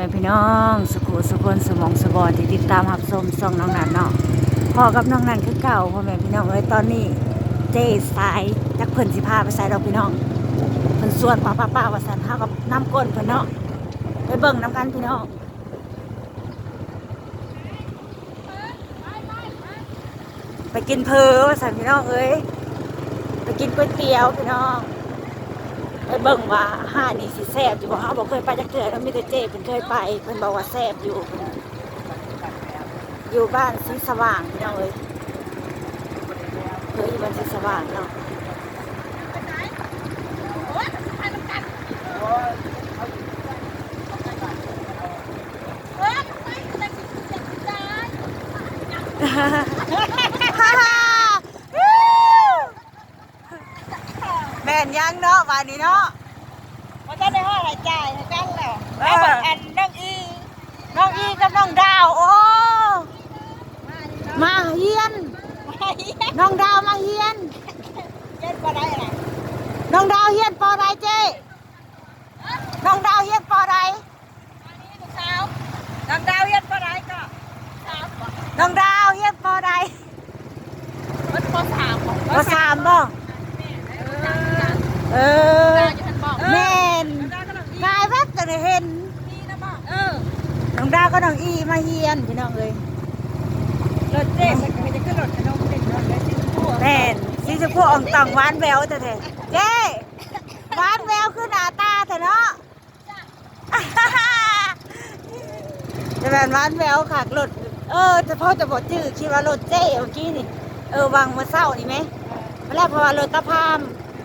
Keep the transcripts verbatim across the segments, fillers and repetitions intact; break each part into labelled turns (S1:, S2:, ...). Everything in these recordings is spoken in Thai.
S1: ม่พี่น้องสุขุสุคนสมองสบอนที่ติดตามหับชมส่องน้องนันเนาะพอกับน้องนันคือเก่าพ่อแม่พี่น้องเอ้ยตอนนี้เจ๊สายจักเพิ่นสิพาไปใส่ดอกพี่น้องเพิ่นสวดป้าป้าป้าว่าสันเฮากับน้ำก้นเพิ่นเนาะไปเบิ่งน้ำกันพี่น้องไปกินเพอว่าสันพี่น้องเอ้ยไปกินก๋วยเตี๋ยวพี่น้องไปเบิ่งว่าห้านี่สิแซ่บอยู่บ่เฮาบ่เคยไปจักเทื่อแล้วมีแต่เจ๊เพิ่นเคยไปเพิ่นบอกว่าแซ่บอยู่อยู่บ้านสีสว่างพี่น้องเอ้ยเคยอยู่บ้านสีสว่างเนาะแม่นยังเนาะวันนี้เนาะ
S2: มันจะได้ห้ออะไรจ่ายให้กันแล้วแล้วอันน้องอี
S1: น้องอีกับน้องดาวโอ้มาเฮียนน้องดาวมาเฮียน
S2: เจ็ดก็ได้อะไร
S1: น้องดาวเฮียนปอใดเจ้น้องดาวเฮียนปอใด
S2: เช้าน้องดาวเย็นก็ได้ก็เช้า
S1: น้องดาวเฮียนปอใด
S2: วันปสามของ
S1: ปอสามบ่เออแม่นกายแวบจะได้เห็น
S2: นี่นะบ้าเออ
S1: น้องดาวก็น้องอีมาเฮียนพี่น้องเอ้ย
S2: รถเจ๊จะจะขึ้นรถขนมเด็กรถได้ชิ้นพวก
S1: แม่นสีชมพูอ่องต่องหวานแววแต่เถอะเจ้หวานแววคือหน้าตาเถอะเนาะจะแบบหวานแววขากรถเออจะพ่อจะบอกชื่อคิดว่ารถเจ้เมื่อกี้นี่เออวางมาเศร้านี่ไหมเวลาเพราะว่ารถตะพาม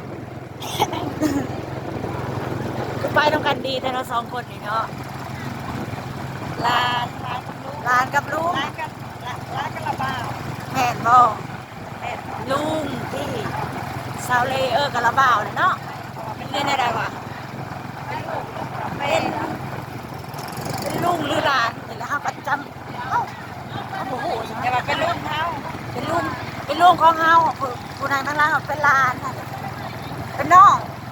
S1: คือไปทำกันดีแต่เราสองคนนี่เนาะ
S2: ลานลานกับลูก
S1: ร้านกับลุง
S2: ลานกันลานกันละบ้า
S1: แม่นบ่แม่นลุงที่ซาวเลเออร์กระบ่าวเนาะเป็นเรื่องอะไรวะเป็นเป็นลุงหรือหลานนี่แหละครับประจำเอ้าโอ้โห
S2: อย่ามาเป็นลูกเขา
S1: เป็นลุงเป็นลุงของเฮาผู้ผู้นางทั้งหล่างเป็นหลานเป็นน้อง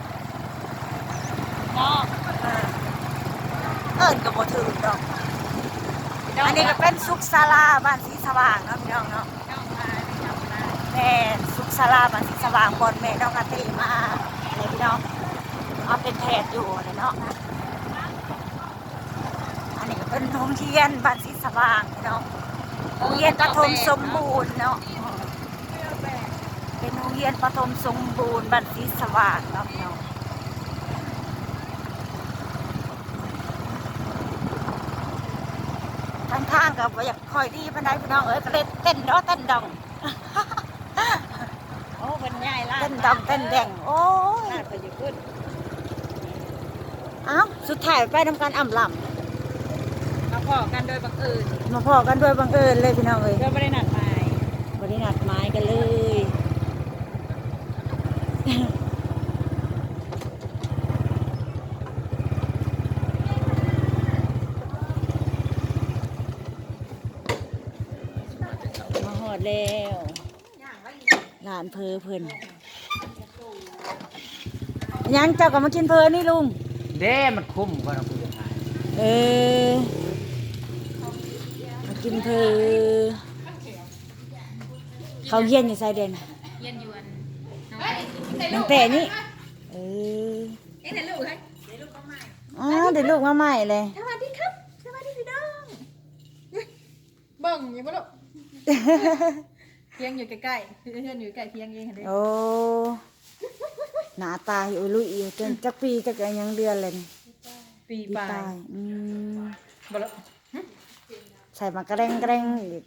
S2: น้อง
S1: เออเอิ้นก็บ่ถือดอกอันนี้ก็เป็นสุขศาลาบ้านสีสว่างเนาะพี่น้องเนาะ
S2: น้องมาน้องมา
S1: แม่สุขศาลาบ้านสีสว่างบอนแม่น้องกะติมาอะไรพี่น้องเอาเป็นแพทย์อยู่เลยเนาะอันนี้ก็เป็นโรงเรียนบ้านสีสว่างพี่น้องโรงเรียนประถมสมบูรณ์เนาะเป็นโรงเรียนประถมสมบูรณ์บ้านสีสว่างเนาะพี่น้องทางทางกับอยากคอยดีพันใดพี่น้องเอ้ยก็เลยเต้นเนาะเต้นดอง
S2: โอ้เป็นใหญ่ลา
S1: เต้นดองเต้นแดงโอ้ย
S2: ลาดไปอยู่ขึ้น
S1: อ้าวสุดท้ายไปทำการอ่ำล
S2: มาพอกันโดยบังเอิญ
S1: ำมาพอกันด้วยบังเอิญเลยพี่น้องเอ้ย
S2: ก็ไม่ได้นัดหมาย
S1: บรินัดไม้กันเลย มาหอดแล้วหลานเพอเพิ่นยังเจ้าก็มากินเพอนี่ลุง
S3: เด้มันคุ้มกว่าเราคุยกัน
S1: เออมากินเพอเขาเฮียนอยู่ไซเดน
S2: เย็นยวน
S1: น้องแต่นี่เออ
S2: เอ๊ะไหนลูกให้ไหนลูกก็ใหม่
S1: อ๋อเดี๋ยวลูกมาใหม่เลย
S2: สวัสดีครับสวัสดีพี่น้องเบิ่งอยู่ปะลูกเพียงอยู่ใกล้ๆเพื่อนอยู่ใกล้เพียงเองเห็นไหม
S1: โอ้หน้าตาอยู่ลุยอยู่จนจักปีจักอะไรยังเดือนเลยนี่
S2: ปี
S1: ปี
S2: ปลา
S1: ตาย ยอืม
S2: บ่ละ
S1: ใส่มากระเร่งกระเร่งอีก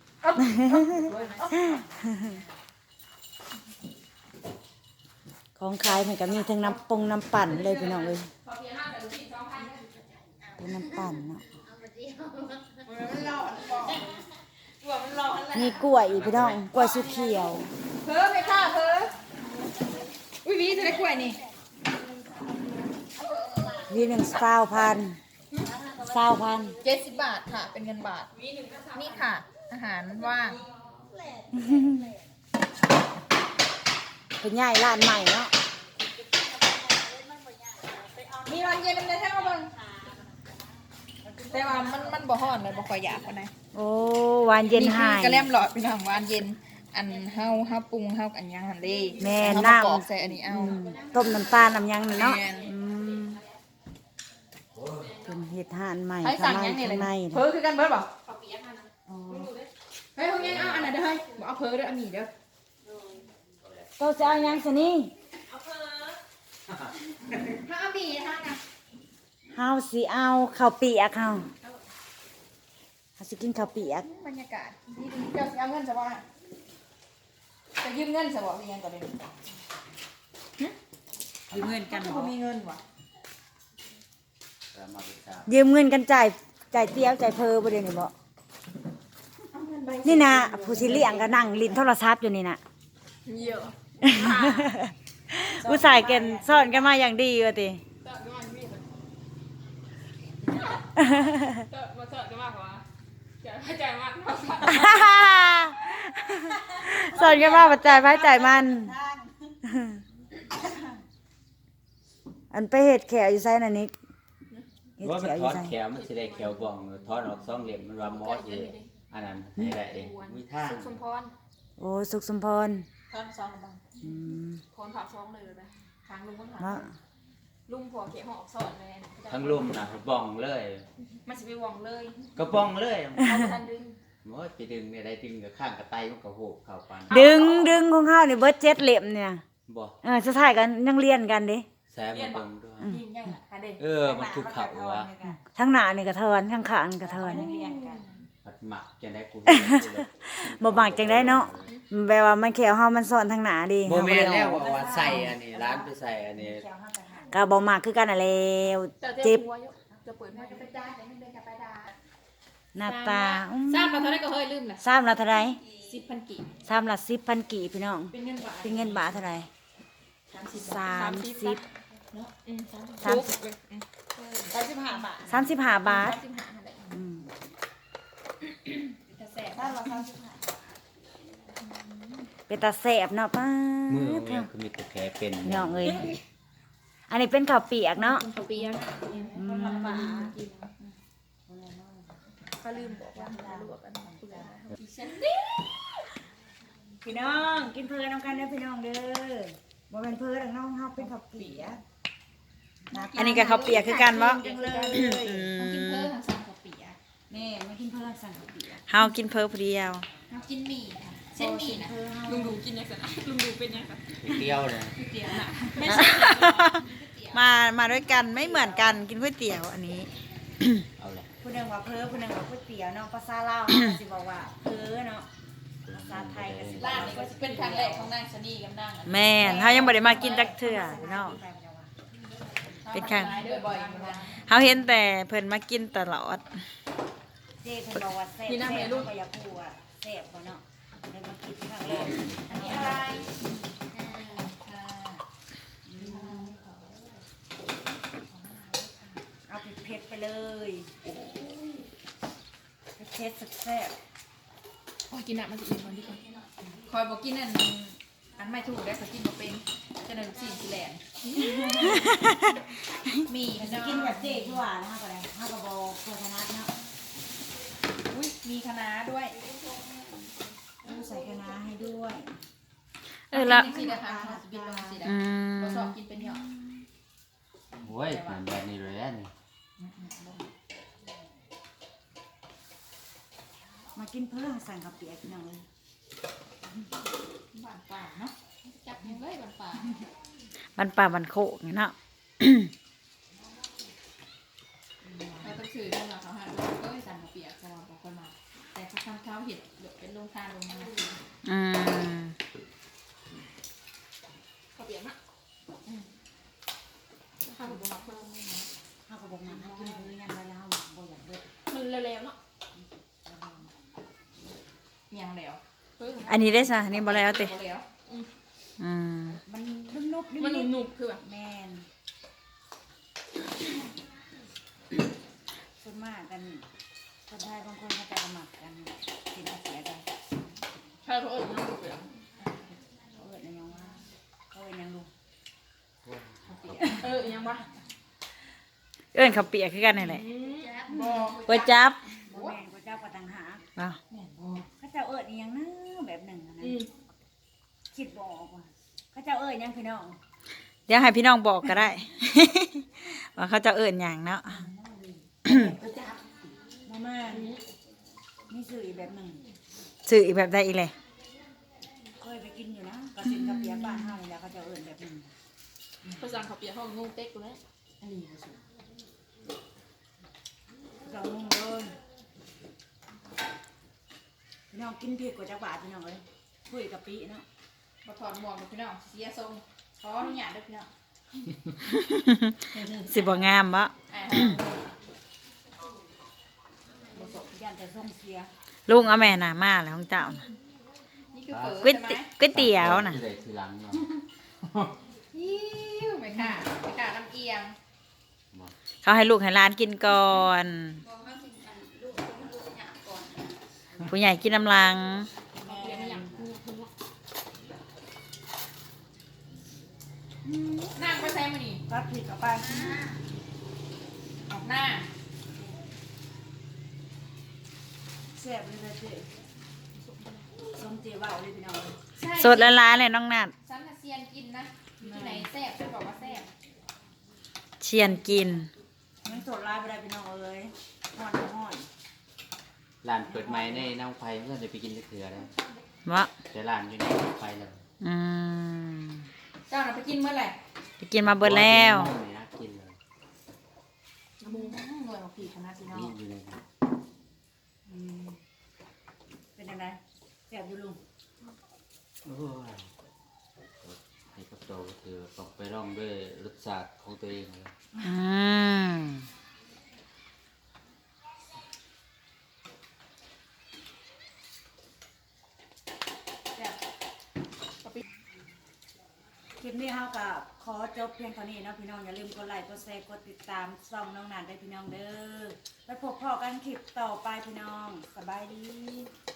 S1: ของขายมันก็มีทั้งน้ำปงน้ำปั่นเลยพี่น้องเลยเป็นน้ำปั่นเนาะมีกล้วยอีกพี่น้องกล้วยสุเขียว
S2: เพ้อไปค่ะเพ้ออุ้ยวีจะได้กล้วยนี่
S1: วีหนึ่งเศร้าพันเศร้าพัน
S2: เจ็ดสิบบาทค่ะ เป็นเงินบาทนี่ค่ะ อาหารว่าง
S1: เป็นใหญ่ร้านใหม่เนาะ
S2: มีวันเย็นเลยแท้มาเบิ่งแต่ว่ามันมันบ่ฮ้อนเลยบ่ค่อยอยากปานใด
S1: โอ้หวานเย็นหาย
S2: กระแลมหลอดพี่น้องหวานเย็นอันเฮาเฮาปรุงเฮาอันยังหั่นเด้
S1: แม่
S2: เฮา
S1: น้ำ
S2: มากรอกใส่อันนี้เอา
S1: อืมต้มน้ำตาลน้ำยังน่ะเนาะ
S2: แม่น
S1: อืมเป็นเห็ดห่านใหม่
S2: ให้
S1: ข้า
S2: สั่
S1: ง
S2: ง
S1: ใน
S2: ยังนี่เล
S1: ข้าย งใน
S2: เพิ่
S1: นะ
S2: อคือกันเบิดบ่
S1: อ๋อ
S2: เฮ้ยเฮายังเอาอันนั้นเด้อเฮ้ยบ่เอาเพิ่อเด้ออันนี้เด้อ
S1: โตจะเอายังสนี่
S2: ถ้าเอามีนะคะนะ
S1: เฮาสิเอาข้าวเปียกเฮาเฮาสิกินข้าวเปียก
S2: บรรยากาศดีดีเจ้าสิเอาเงินซะบ่จะยืมเงินซะบ่หรือยังก็ได้
S1: ยืมเงินกัน
S2: บ่มีเงินว่ะ
S3: แต่มาเป็นสาว
S1: ยืมเงินกันจ่ายจ่ายเตี้ยวจ่ายเพอบ่เดี๋ยวนี้บ่
S2: เอาเงินใบ
S1: นี่นะผู้สิเลี้ยงก็นั่งลิ้นโทรศัพท์อยู่นี่น่ะ
S2: เยอะ
S1: ผู้ชายเกันซ่อนกันมาอย่างดีว่าติ
S4: มาเจอกันมากกว่าจะให้ใจมากมาก
S1: ซ่อนกันมาปัจจัยพระจ่ายมัน อันไปเห็ดแขวอยู่ไซน่ะนิกเห็ด
S3: ว่า
S1: แข
S3: มัน
S1: วอ
S3: ท
S1: ยู่
S3: อด
S1: ไซ
S3: แขวมันสิได้แขวบ่องทอดออกสองเหลี่ยมมันว่าหมอเออันนั้นให้ได้เองมีทาง
S4: สุขสมพร
S1: โอ้สุขสมพร
S2: ท่านสองบัง
S1: อืม
S4: พรผักซองเลยนะทางลุงก็ถาม
S1: เนาะ
S4: ลุงผัวเขียหอกสอนเลย
S3: ทั้งลุ่มน่ะบ้องเลย
S4: มันจะไปวองเลย
S3: ก็บ้องเลย
S4: เอาทันดึง
S3: โอ้ยไปดึงเนี่ยได้ดึงกับข้างกับไตมันก็โหกเข้าปาน
S1: ดึงดึงของเฮานี่เบิดเจ็ดเหลี่ยมเนี่ย
S3: บ่
S1: เออสุดท้ายกันยังเรียนกันเดิ
S3: แซมมาเบิ่งด้วย
S4: ยิงยังอ่ะค่ะเด็ก
S3: เออมันคือเขาวะ
S1: ทั้งหน้านี่ก็เทินทั้งข้างนี่ก็เทิน
S3: ผัดหมักจังได้กู
S1: บ่บากจังได้เนาะแปลว่ามันแขวเฮามันซ่อนทั้งหน้าดิ
S3: โมเมนแล้วว่าใส่อันนี้ร้านไปใส่อันนี้
S1: ก็บ่มากคือกันน่ะแล้ว
S4: จะ
S1: เจ็บ
S4: หัวจะเปิดมาจะไปได้แต่ไม่ได้จะไปได้
S1: หน้าตาอืม
S4: ทราบมาเท่าไรก็เฮ้ยลืมนะ
S1: ซ้ำละเท่าไหร่
S4: สิบพันกี่
S1: ซ้ำละสิบพันกี่พี่น้อง
S4: เป็นเงินบาท
S1: เป็นเงินบาทเท่าไหร่สามสิบ
S4: เนาะอืม
S1: สามสิบ
S4: สามสิบห้าบาท
S1: สามสิบห้าบาท
S4: สามสิบห้าอะไร
S1: อืม
S4: จะแสบถ้าเราสามสิบห้า
S1: เป็นตาแสบเนาะป้า
S3: มือ
S1: ด
S3: เนี่ยคือมีแต่แผลเป็น
S1: น้องเอ้ยอันนี้เป็นข้าวเปียกเนาะ
S4: เขาเปียกคนลำบากกินเขาลืมบอกว่าเราลวกกันเปลือกอีฉันนี่
S1: พี่น้องกินเพลินน้องกันเด้อพี่น้องเด้อบ่เป็นเพลินดอกน้องเฮาเป็นข้าวเปียกอันนี้ก็ข้าวเปียกคือกันบ่
S4: จังเลยเขากินเพิ่มทางสั่งกับปีอะ
S1: แม่มากินเพลินสั่งข้าวเปียก
S5: เฮากินเพิ่มเดียว
S4: เขากินหมี่ค่ะเส้นหมี่นะ
S5: ลุงดูกินยังไงลุงดูเป็นยังไง
S3: เตี้ยวเลย
S4: ก๋วยเตี๋ยวน่ะ
S5: ไม่ใช่ มามาด้วยกันไม่เหมือนกันกินก๋วยเตี๋ยวอันนี้
S3: เอาเลย
S1: ผู้หนึงว่าเพลินผู้หนึงว่าก๋วยเตี๋ยวเนาะภาษาลาวเฮาก็สิบอกว่าเพลินเนาะภาษาไทยก็สิ
S4: ร้านนี้ก็เป็นครั้งแรกของนางชนีกับนางอะ
S5: แม่นเฮายังบ่ได้มากินจักเทื่อเนาะ เป็นครั้ง
S4: เดินบ่อยอยู่นะ
S5: เฮาเห็นแต่เพิ่นมากินตลอด
S1: เจ๊เพิ่นบอกว่าแซ่บ
S4: พี่น้ำให้ลูก
S1: ก็อยากพูดว่าแซ่บบ่เนาะได้มากินครั้งแรกอันนี้อะไรเอาเผ็ดๆไปเลยเผ็ดๆแซ่บ
S4: โอ้ยกินน้ำมันจะอิ่มกว่านี้ก่อนคอยบอกกินอันอันไม่ถูกได้ก็กินบ่เป็นจะได้ลูกศิษย์สิแลนมี
S1: ๆ
S4: พี่
S1: จะ
S4: น้อง
S1: กินแบบเจ๊ที่ว่านะคะก็ได้เฮาก็บ่โฆษณาเนาะ
S4: อุ้ยมีคะน้าด้วย
S1: ต้องใส่คะน้าให้ด้วย
S5: เออละ
S4: กินสินะคะบินลงสินะ
S5: อืม
S4: เราชอบกินเป็นเหยาะ
S3: โอ้ยมันแบบนี้เลยอันนี้
S1: มากินเพิ่มสั่งกับเปียกพี่น้องเลย
S4: หวานป่าเนาะจับยังเลยหวานป่า
S5: บันป่าบันโคกนี่เนาะ
S4: เราต้องซื้อกันมาเขาหาเราก็สั่งมาเปียกสว่างบอกคนมาแต่เขาทำเขาเห็ดเดี๋ยวเป็นลงทานลงมา
S5: อืม
S4: เขาเปียกนะข้าวบุกมาเพิ่มไม่นะ
S1: ข้าวกระบอกน้ำให้กินเพิ่มยันไปแล้วบ่อยากเบิด
S4: มันเร็วๆเนาะยังแล้ว
S5: อันนี้ได้ซะอันนี้บ่แล้วติ
S4: แล้ว
S5: อืม
S1: มันนุ่มๆนุ่ม
S4: มันหนุบๆคือแบบ
S1: แมนส่วนมากกันคนไทยบางคนเขาจะหมักกันกินอาเสียกัน
S4: ใช่เพราะเออมันหนุบเลย
S1: เขาเอิดยังว่าเขาเอิดยังลูก
S4: เออยังวะ
S5: เอิ้นข้าวเปียกคือกันนี่แหละ
S4: จ้า
S2: บ่
S5: ก๋วยจับ
S1: บ่แม่นก๋วยจั๊บก็ต่างหาก
S5: บ่
S1: เขาเจ้าเอิ้นอีหยังนะแบบหนึ่งอะนะ
S2: อืม
S1: คิดบ่ออกว่าเขาเจ้าเอิ้นหยังพี่น้อง
S5: เดี๋ยวให้พี่น้องบอกก็ได้ ว่าเขาจะเอิ้นหยังเนาะ
S1: ก๋วยจั๊บ
S2: มาม่า
S1: มีชื่ออีกแบบหนึ่ง
S5: ซื้ออีกแบบใดอีกเลย
S1: เคยไปกินอยู่นะกระสินกระเปียกบ้านเฮานี่แหละเขาเจ้าเอิ้นแบบหนึ่ง
S4: ภาษาเขาเปียกห้องงงเต็กกูแล้ว
S1: อันนี้ก็สุดเรางงเลยพี่น้องกินเผ็ดกว่าจักบาทพี่น้องเอ้ยคุยกับปีเนาะ
S4: มาถอดหมวกกับพี่น้องเสียทรงขออนุญาตด้วยพี่น้อง
S5: สิบ่งามบ่
S4: ไอ้
S1: บ่สบยันแต่ส่งเสีย
S5: ลุงเอาแม่น่ะมาแล้วของเจ้าน่ะ
S4: นี่คือเปิด
S5: ก๋วย
S4: ใช่ไหม
S5: เตี๋ก๋วยเตี๋ยวน่ะ
S3: ที่ใดทีหลังเนาะ
S4: ยิ้วไม่ค่ะไม่ค่ะน้ำเอียง
S3: บ่
S5: เขาให้ลูกให้หลานกินก่อน ผู้ใหญ่กินน้ำลัง
S4: เขาเปียกไม่อย่างกูคุณวะนั่งไปใส่มานี่
S1: ตัดผิดกับไป
S4: ออกหน้า
S1: แซ่บเลยนะเจ๊ส้มเจ๊ว่าวเลยพี่น้องเอ้ย
S4: ใช่
S5: สดละลายเลยน้องนัด
S4: ฉันน่ะเซียนกินนะอยู่ที่ไหนแซ่บฉันบอกว่าแซ่บ
S5: เชียนกิน
S1: มันสดลายไปได้พี่น้องเอ้ยห่อนห่อน
S3: ร้านเปิดใหม่ในน้องไฟเพื่อนจะไปกินเถื่อแล้ว
S5: วะ
S3: แต่ร้านอยู่ในน้องไฟเลย
S5: อืม
S4: เจ้าน่ะไปกินเมื่อไหร่
S5: ไปกินมาเบิดแล้ว
S3: ไม่น่ากินเลย
S4: น้ำมูหน่วยของผีคณะพี่น้อง
S3: นี่อยู่ในนั้น
S1: อืมเป็นยังไงแซ่บอยู่ลุง
S3: โอ้ยให้กับโตก็คือต้องไปร่องด้วยรสชาติของตัวเองเลย
S5: อืม
S1: แซ่บคลิปนี้เฮากับขอจบเพียงเท่านี้เนาะพี่น้องอย่าลืมกดไลค์กดแชร์กดติดตามช่องน้องนันได้พี่น้องเด้อแล้วพบพ่อกันคลิปต่อไปพี่น้องสบายดี